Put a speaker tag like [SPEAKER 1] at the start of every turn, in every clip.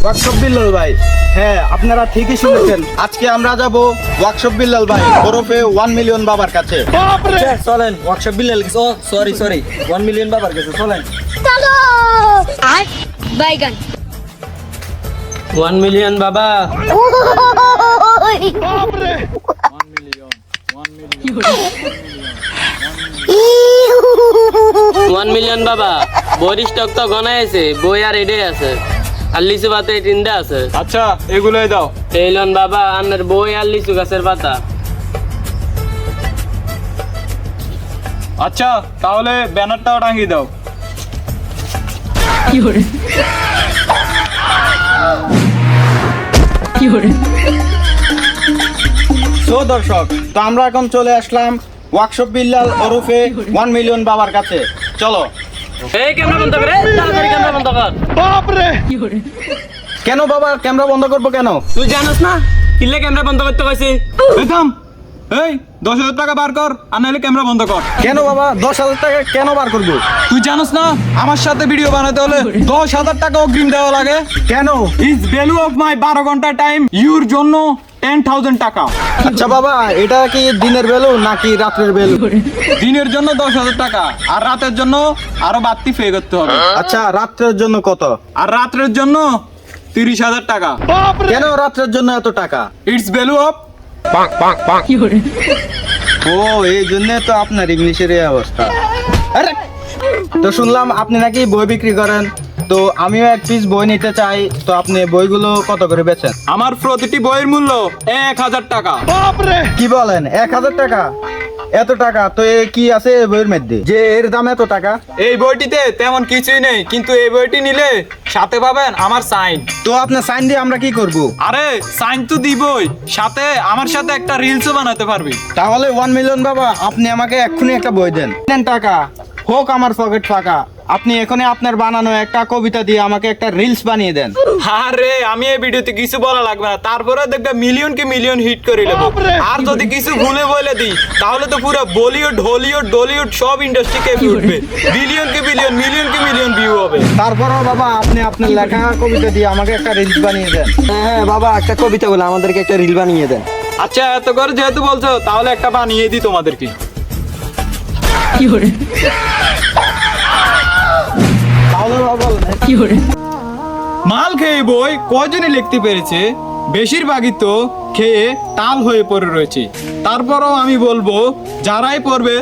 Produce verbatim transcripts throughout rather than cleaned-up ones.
[SPEAKER 1] Workshop Billal ভাই, হ্যাঁ আপনারা ঠিকই শুনেছেন। আজকে আমরা যাব ওয়ার্কশপ বিল্লাল ভাই ওরফে ওয়ান মিলিয়ন বাবার কাছে।
[SPEAKER 2] চলেন ওয়ার্কশপ বিল্লাল ও সরি সরি ওয়ান মিলিয়ন বাবার কাছে চলেন।
[SPEAKER 3] চলো আয় বাইগান
[SPEAKER 4] ওয়ান মিলিয়ন বাবা, ওয়ান মিলিয়ন বাবা। বইয়ের স্টক তো গনাই আছে, বই আর এডে আছে, আর লিচু পাতা তিনটা আছে।
[SPEAKER 5] আচ্ছা এগুলোই দাও।
[SPEAKER 4] এইলন বাবা আনের বই আর লিচু গাছের পাতা।
[SPEAKER 5] আচ্ছা তাহলে ব্যানারটাও টাঙিয়ে দাও।
[SPEAKER 1] সো দর্শক, তো আমরা এখন চলে আসলাম ওয়ার্কশপ বিল্লাল ওরফে ওয়ান মিলিয়ন বাবার কাছে। চলো।
[SPEAKER 4] এই ক্যামেরা বন্ধ করে, তাড়াতাড়ি ক্যামেরা বন্ধ কর।
[SPEAKER 1] কেন বাবা ক্যামেরা বন্ধ করবো কেন?
[SPEAKER 4] তুই জানোস না কিলে ক্যামেরা বন্ধ করতে কইছি?
[SPEAKER 5] এই থাম, এই দশ হাজার টাকা বার কর, আর নাহলে ক্যামেরা বন্ধ কর।
[SPEAKER 1] কেন বাবা দশ হাজার টাকা কেন বার করবো?
[SPEAKER 5] তুই জানোস না আমার সাথে ভিডিও বানাতে হলে দশ হাজার টাকা অগ্রিম দেওয়া লাগে?
[SPEAKER 1] কেন?
[SPEAKER 5] ইজ ভ্যালু অফ মাই বারো ঘন্টা টাইম ইউর জন্য টেন থাউজেন্ড টাকা।
[SPEAKER 1] আচ্ছা বাবা, এটা কি দিনের বেলু নাকি রাত্রের বেলু?
[SPEAKER 5] দিনের জন্য দশ হাজার টাকা, আর রাতের জন্য আরো বাড়তি পে করতে হবে।
[SPEAKER 1] আচ্ছা রাত্রের জন্য কত?
[SPEAKER 5] আর রাত্রের জন্য তিরিশ হাজার টাকা।
[SPEAKER 1] কেন রাত্রের জন্য এত টাকা?
[SPEAKER 5] It's value of.
[SPEAKER 1] ও এই জন্য তো আপনার ইংলিশের এই অবস্থা। আরে, তো শুনলাম আপনি নাকি বই বিক্রি করেন, তো আমিও এক পিস বই নিতে চাই, তো আপনি বইগুলো কত করে বেচেন?
[SPEAKER 5] আমার প্রতিটি বইয়ের মূল্য এক হাজার টাকা।
[SPEAKER 1] কি বলেন, এক হাজার টাকা? এত টাকা তো এ কি আছে এই বইয়ের মধ্যে যে এর দাম এত টাকা?
[SPEAKER 5] এই বইটিতে তেমন কিছুই নেই, কিন্তু এই বইটি নিলে সাথে পাবেন আমার সাইন।
[SPEAKER 1] তো আপনার সাইন দিয়ে আমরা কি করব?
[SPEAKER 5] আরে সাইন তো দিবই, সাথে আমার সাথে একটা রিলসও বানাতে পারবি।
[SPEAKER 1] তাহলে ওয়ান মিলিয়ন বাবা, আপনি আমাকে এক্ষুনি একটা বই দেন। দেন টাকা হোক আমার পকেট ফাঁকা, আপনি এখনই আপনার বানানো একটা কবিতা দিয়ে আমাকে একটা রিলস বানিয়ে দেন।
[SPEAKER 5] আরে আমি এই ভিডিওতে কিছু বলা লাগবে না, তারপরে দেখবে মিলিয়ন কে মিলিয়ন হিট করে নেবো। আর যদি কিছু ভুলে বলে দিই তাহলে তো পুরো বলিউড হলিউড ডলিউড সব ইন্ডাস্ট্রি কেঁপে উঠবে। বিলিয়ন কে বিলিয়ন মিলিয়ন কে মিলিয়ন ভিউ হবে।
[SPEAKER 1] তারপরও বাবা আপনি আপনার লেখা কবিতা দিয়ে আমাকে একটা রিলস বানিয়ে দেন।
[SPEAKER 2] হ্যাঁ বাবা, একটা কবিতা বলে আমাদেরকে একটা রিল বানিয়ে দেন।
[SPEAKER 5] আচ্ছা এত করে যেহেতু বলছো তাহলে একটা বানিয়ে দিই তোমাদেরকে।
[SPEAKER 1] তাহলে বাবা বলেন।
[SPEAKER 5] মাল খেয়ে বই কয়জনই লিখতে পেরেছে? বেশিরভাগই তো খেয়ে টাল হয়ে পড়ে রয়েছে। তারপরও আমি বলবো যারাই পড়বে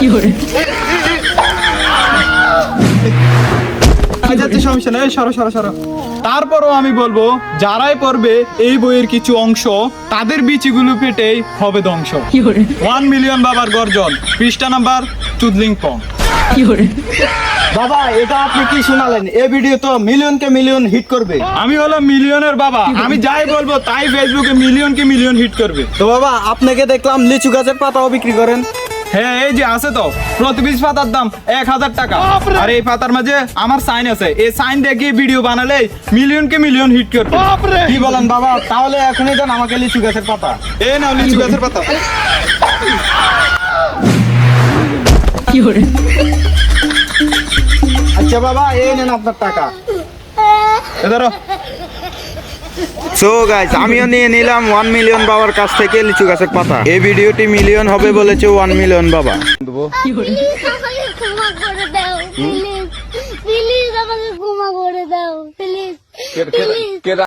[SPEAKER 5] যাচ্ছে সমস্যা নেই, সরো সরো সরো। তারপরও আমি বলবো যারাই পড়বে এই বইয়ের কিছু অংশ, তাদের বিচিগুলো পেটেই হবে ধ্বংস। ওয়ান মিলিয়ন বাবার গর্জন, পৃষ্ঠা নাম্বার চুদলিং পং।
[SPEAKER 1] বাবা এটা আপনি কি শোনালেন? এই ভিডিও তো মিলিয়ন কে মিলিয়ন হিট করবে।
[SPEAKER 5] আমি হলো মিলিয়নের বাবা, আমি যাই বলবো তাই ফেসবুকে মিলিয়ন কে মিলিয়ন হিট করবে।
[SPEAKER 1] তো বাবা আপনাকে দেখলাম লিচু গাছের পাতাও বিক্রি করেন।
[SPEAKER 5] হ্যাঁ এই যে আছে তো, প্রতি পিস পাতার দাম এক হাজার টাকা। আর এই পাতার মাঝে আমার সাইন আছে, এই সাইন দেখিয়ে ভিডিও বানালে মিলিয়ন কে মিলিয়ন হিট করবে।
[SPEAKER 1] কি বলেন বাবা? তাহলে এখনই দেন আমাকে লিচু গাছের পাতা।
[SPEAKER 5] এই নাও লিচু গাছের পাতা।
[SPEAKER 1] আচ্ছা বাবা এই নেন আপনার টাকা।
[SPEAKER 5] এ ধরো।
[SPEAKER 1] সো গাইস, আমিও নিয়ে নিলাম ওয়ান মিলিয়ন বাবার কাছ থেকে লিচু গাছের পাতা। এই ভিডিওটি মিলিয়ন হবে বলেছে ওয়ান মিলিয়ন বাবা।
[SPEAKER 3] প্লিজ আমাকে ক্ষমা করে দাও, প্লিজ প্লিজ আমাকে ক্ষমা করে দাও, প্লিজ প্লিজ।